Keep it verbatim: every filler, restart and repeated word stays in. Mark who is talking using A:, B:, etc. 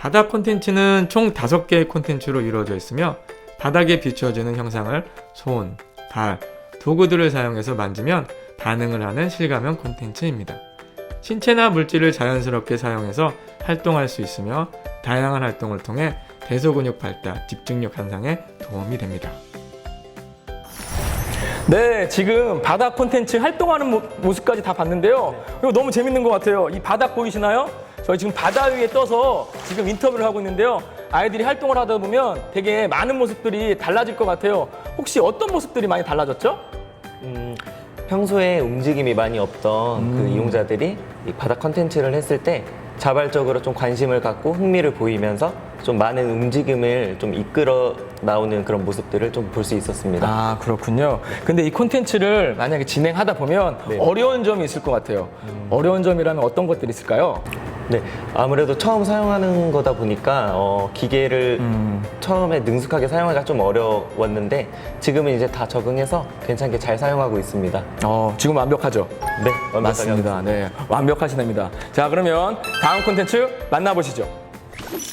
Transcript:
A: 바닥 콘텐츠는 총 다섯 개의 콘텐츠로 이루어져 있으며 바닥에 비추어지는 형상을 손, 발, 도구들을 사용해서 만지면 반응을 하는 실감형 콘텐츠입니다. 신체나 물질을 자연스럽게 사용해서 활동할 수 있으며 다양한 활동을 통해 대소근육 발달, 집중력 향상에 도움이 됩니다.
B: 네, 지금 바닥 콘텐츠 활동하는 모, 모습까지 다 봤는데요. 이거 너무 재밌는 것 같아요. 이 바닥 보이시나요? 저희 지금 바다 위에 떠서 지금 인터뷰를 하고 있는데요. 아이들이 활동을 하다 보면 되게 많은 모습들이 달라질 것 같아요. 혹시 어떤 모습들이 많이 달라졌죠?
C: 음, 평소에 움직임이 많이 없던
B: 음.
C: 그 이용자들이 이 바닥 컨텐츠를 했을 때 자발적으로 좀 관심을 갖고 흥미를 보이면서 좀 많은 움직임을 좀 이끌어 나오는 그런 모습들을 좀 볼 수 있었습니다.
B: 아, 그렇군요. 근데 이 콘텐츠를 만약에 진행하다 보면
C: 네.
B: 어려운 점이 있을 것 같아요. 어려운 점이라면 어떤 것들이 있을까요?
C: 네, 아무래도 처음 사용하는 거다 보니까 어, 기계를
B: 음.
C: 처음에 능숙하게 사용하기가 좀 어려웠는데 지금은 이제 다 적응해서 괜찮게 잘 사용하고 있습니다.
B: 어, 지금 완벽하죠?
C: 네, 완벽하게
B: 맞습니다. 네, 완벽하시답니다. 자, 그러면 다음 콘텐츠 만나보시죠.